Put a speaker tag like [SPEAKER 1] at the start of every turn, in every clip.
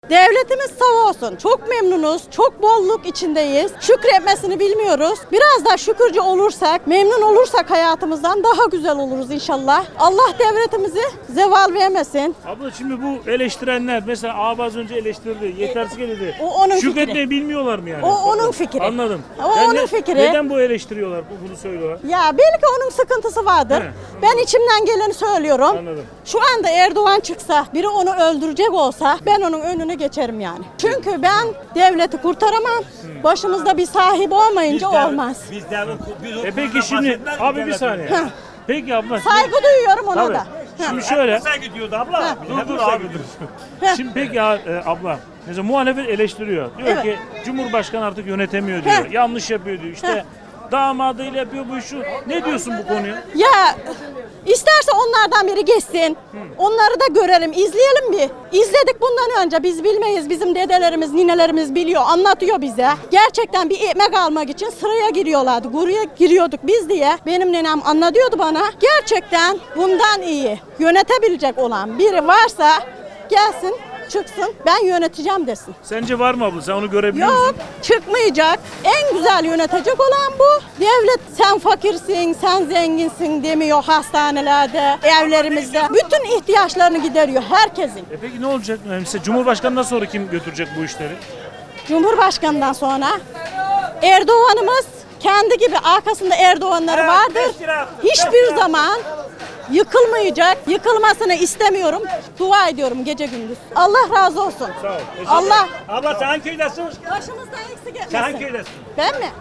[SPEAKER 1] Devletimiz sağ olsun. Çok memnunuz. Çok bolluk içindeyiz. Şükretmesini bilmiyoruz. Biraz da şükürcü olursak, memnun olursak hayatımızdan daha güzel oluruz inşallah. Allah devletimizi zeval vermesin.
[SPEAKER 2] Abla şimdi bu eleştirenler mesela abi az önce eleştirdi, yetersiz dedi.
[SPEAKER 1] O onun
[SPEAKER 2] Şükretmeyi
[SPEAKER 1] fikri.
[SPEAKER 2] bilmiyorlar mı yani?
[SPEAKER 1] O onun fikri.
[SPEAKER 2] Anladım.
[SPEAKER 1] O onun fikri.
[SPEAKER 2] Neden bu eleştiriyorlar, bunu söylüyorlar?
[SPEAKER 1] Ya belki onun sıkıntısı vardır.
[SPEAKER 2] He,
[SPEAKER 1] Ben içimden geleni söylüyorum.
[SPEAKER 2] Anladım.
[SPEAKER 1] Şu anda Erdoğan çıksa, biri onu öldürecek olsa ben onun önüne geçerim yani. Çünkü ben devleti kurtaramam. Başımızda bir sahibi olmayınca olmaz.
[SPEAKER 2] Peki şimdi abi bir saniye.
[SPEAKER 1] Heh.
[SPEAKER 2] Peki abla.
[SPEAKER 1] Saygı duyuyorum ona
[SPEAKER 2] Tabii.
[SPEAKER 1] da.
[SPEAKER 2] Şimdi şöyle.
[SPEAKER 3] Saygı diyordu abla.
[SPEAKER 2] Dur abi dur. Şimdi peki ya, abla. Mesela muhalefet eleştiriyor. Diyor
[SPEAKER 1] Evet.
[SPEAKER 2] ki Cumhurbaşkanı artık yönetemiyor diyor.
[SPEAKER 1] Heh.
[SPEAKER 2] Yanlış yapıyor diyor. İşte damadıyla yapıyor bu işi. Ne diyorsun bu konuya?
[SPEAKER 1] Ya isterse onlardan biri geçsin. Onları da görelim, izleyelim bir. İzledik bundan önce. Biz bilmeyiz. Bizim dedelerimiz, ninelerimiz biliyor, anlatıyor bize. Gerçekten bir ekmek almak için sıraya giriyorlardı. Buraya giriyorduk biz diye. Benim nenem anlatıyordu bana. Gerçekten bundan iyi yönetebilecek olan biri varsa gelsin, çıksın, ben yöneteceğim desin.
[SPEAKER 2] Sence var mı abla? Sen onu görebiliyor
[SPEAKER 1] Yok,
[SPEAKER 2] musun?
[SPEAKER 1] çıkmayacak. En güzel yönetecek olan bu. Devlet sen fakirsin, sen zenginsin demiyor hastanelerde, evlerimizde. Bütün ihtiyaçlarını gideriyor herkesin.
[SPEAKER 2] Peki ne olacak? Mesela Cumhurbaşkanından sonra kim götürecek bu işleri?
[SPEAKER 1] Cumhurbaşkanından sonra Erdoğan'ımız kendi gibi arkasında Erdoğanları vardır. Hiçbir zaman yıkılmayacak. Yıkılmasını istemiyorum. Dua ediyorum gece gündüz. Allah razı olsun.
[SPEAKER 2] Sağ ol.
[SPEAKER 1] Allah
[SPEAKER 3] Abla sen hangi köydesin?
[SPEAKER 1] başımızdan eksik etmesin.
[SPEAKER 3] Sen hangi köydesin?
[SPEAKER 1] Ben mi?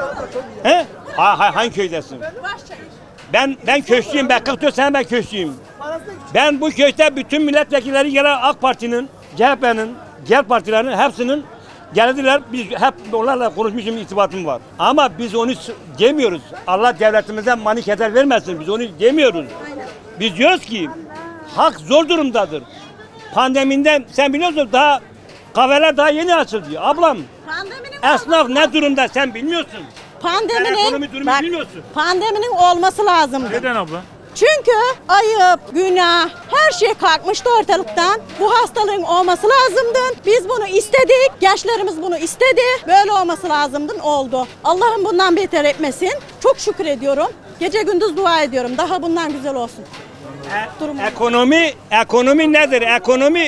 [SPEAKER 3] He? Hangi köydesin?
[SPEAKER 1] Başçayım.
[SPEAKER 3] Ben köşküyüm. Ben 44 sene ben köşküyüm. Ben bu köyde bütün milletvekilleri gelen AK Parti'nin, CHP'nin, diğer partilerin hepsinin geldiler. Biz hep onlarla konuşmuşum, irtibatım var. Ama biz onu demiyoruz. Allah devletimize mani keder vermesin. Biz onu demiyoruz. Biz diyoruz ki halk zor durumdadır. Pandemiden sen biliyorsun daha kahveler daha yeni açıldı. Ablam
[SPEAKER 1] Pandeminin
[SPEAKER 3] esnaf ne durumda sen bilmiyorsun.
[SPEAKER 1] Pandeminin,
[SPEAKER 3] Sen ekonomi durumu bilmiyorsun.
[SPEAKER 1] pandeminin olması lazımdı.
[SPEAKER 2] Neden abla?
[SPEAKER 1] Çünkü ayıp, günah, her şey kalkmıştı ortalıktan. Bu hastalığın olması lazımdı. Biz bunu istedik, gençlerimiz bunu istedi. Böyle olması lazımdı, oldu. Allah'ım bundan beter etmesin. Çok şükür ediyorum. Gece gündüz dua ediyorum. Daha bundan güzel olsun. Durum.
[SPEAKER 3] Ekonomi nedir? Ekonomi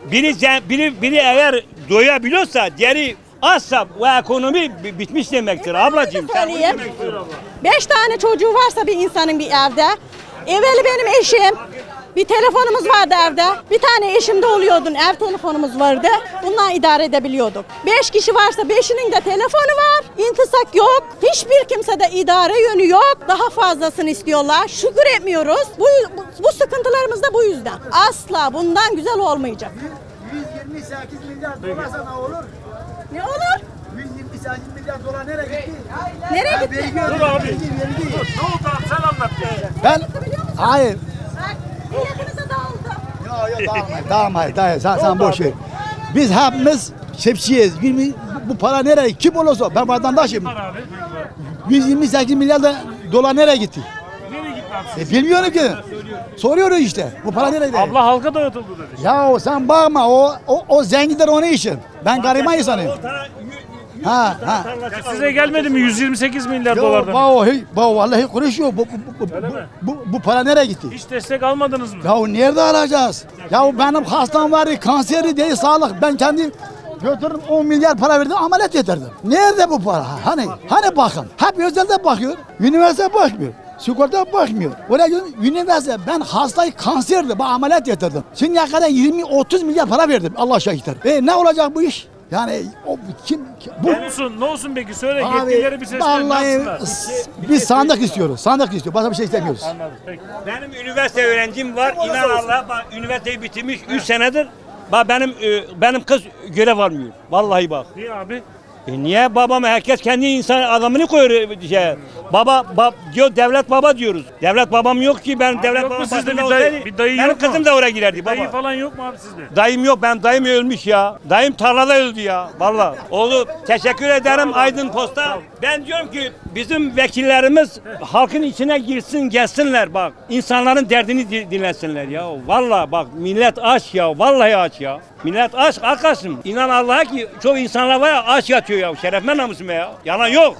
[SPEAKER 3] biri eğer doyabiliyorsa diğeri azsa bu ekonomi bitmiş demektir ablacığım. Sen bunu
[SPEAKER 1] Söyleyeyim.
[SPEAKER 3] demek istiyorum.
[SPEAKER 1] 5 tane çocuğu varsa bir insanın bir evde. Evveli benim eşim. Bir telefonumuz vardı evde. Bir tane eşimde oluyordun. Ev telefonumuz vardı. Bundan idare edebiliyorduk. 5 kişi varsa 5'inin de telefonu var. İntisak yok. Hiçbir kimsede idare yönü yok. Daha fazlasını istiyorlar. Şükür etmiyoruz. Bu sıkıntılarımız da bu yüzden. Asla bundan güzel olmayacak.
[SPEAKER 4] 128 milyar dolarsa ne olur?
[SPEAKER 1] Ne olur?
[SPEAKER 4] 128 milyar dolar nereye gitti?
[SPEAKER 1] Nereye gitti?
[SPEAKER 2] Dur abi. Ne oldu abi sen anlat ya.
[SPEAKER 4] Ben hayır.
[SPEAKER 1] Bak, milletimize dağıldı.
[SPEAKER 4] Yok dağılmayın. Sen boş ver. Biz hepimiz şepsiyiz. Bu para nereye? Kim olursa ben vatandaşım.
[SPEAKER 2] Var abi.
[SPEAKER 4] 128 milyar dolar nereye gitti?
[SPEAKER 2] Nereye gitti abi?
[SPEAKER 4] Bilmiyorum ki. Soruyoruz işte. Bu para nereye gitti?
[SPEAKER 2] Abla halka dağıtıldı dedi.
[SPEAKER 4] Ya sen bakma o zenginler onun için. Ben gariban insanım. Ha.
[SPEAKER 2] Ya size gelmedi mi 128 milyar
[SPEAKER 4] Yo,
[SPEAKER 2] dolardan?
[SPEAKER 4] vallahi konuşuyor. Bu para nereye gitti?
[SPEAKER 2] Hiç destek almadınız mı?
[SPEAKER 4] Ya nerede alacağız? Ya benim hastam vardı, kanseri değil, sağlık. Ben kendim götürdüm 10 milyar para verdim, ameliyat getirdim. Nerede bu para? Hani bakın. Hep özelde bakıyor, üniversite bakmıyor. Sigorta bakmıyor. Oraya gidiyorum, üniversite ben hastayı kanserdi, ben ameliyat getirdim. Şimdiye kadar 20-30 milyar para verdim Allah şahitler. Ne olacak bu iş? Yani bu
[SPEAKER 2] Ne olsun peki söyle yetkilileri bir seslenin
[SPEAKER 4] vallahi
[SPEAKER 2] nasıllar?
[SPEAKER 4] biz sandık istiyoruz. Sandık istiyor. Başka bir şey istemiyoruz.
[SPEAKER 2] Anladım peki.
[SPEAKER 3] Benim üniversite öğrencim var. İnan Allah'a bak üniversiteyi bitirmiş 3 senedir. Bak benim kız görev almıyor. Vallahi bak.
[SPEAKER 2] Niye abi?
[SPEAKER 3] Niye babam herkes kendi insan adamını koyuyor şey. Diyor devlet baba diyoruz. Devlet babam yok ki, ben devlet
[SPEAKER 2] yok mu
[SPEAKER 3] babam
[SPEAKER 2] sizde
[SPEAKER 3] başında
[SPEAKER 2] bir dayı-
[SPEAKER 3] olsaydı,
[SPEAKER 2] bir dayı
[SPEAKER 3] benim
[SPEAKER 2] yok mu?
[SPEAKER 3] kızım da oraya girerdi
[SPEAKER 2] Dayı
[SPEAKER 3] baba.
[SPEAKER 2] falan yok mu abi sizde?
[SPEAKER 3] Dayım yok, benim dayım ölmüş ya. Dayım tarlada öldü ya. Vallahi. Oğlu teşekkür ederim Aydın Posta. Ben diyorum ki bizim vekillerimiz halkın içine girsin, gelsinler bak. İnsanların derdini dinlesinler ya. Vallahi bak, millet aç ya. Vallahi aç ya. Millet aç, arkadaşım. İnan Allah'a ki çok insanlar var ya, aç yatıyor ya. Şerefime namusuma ya. Yalan yok.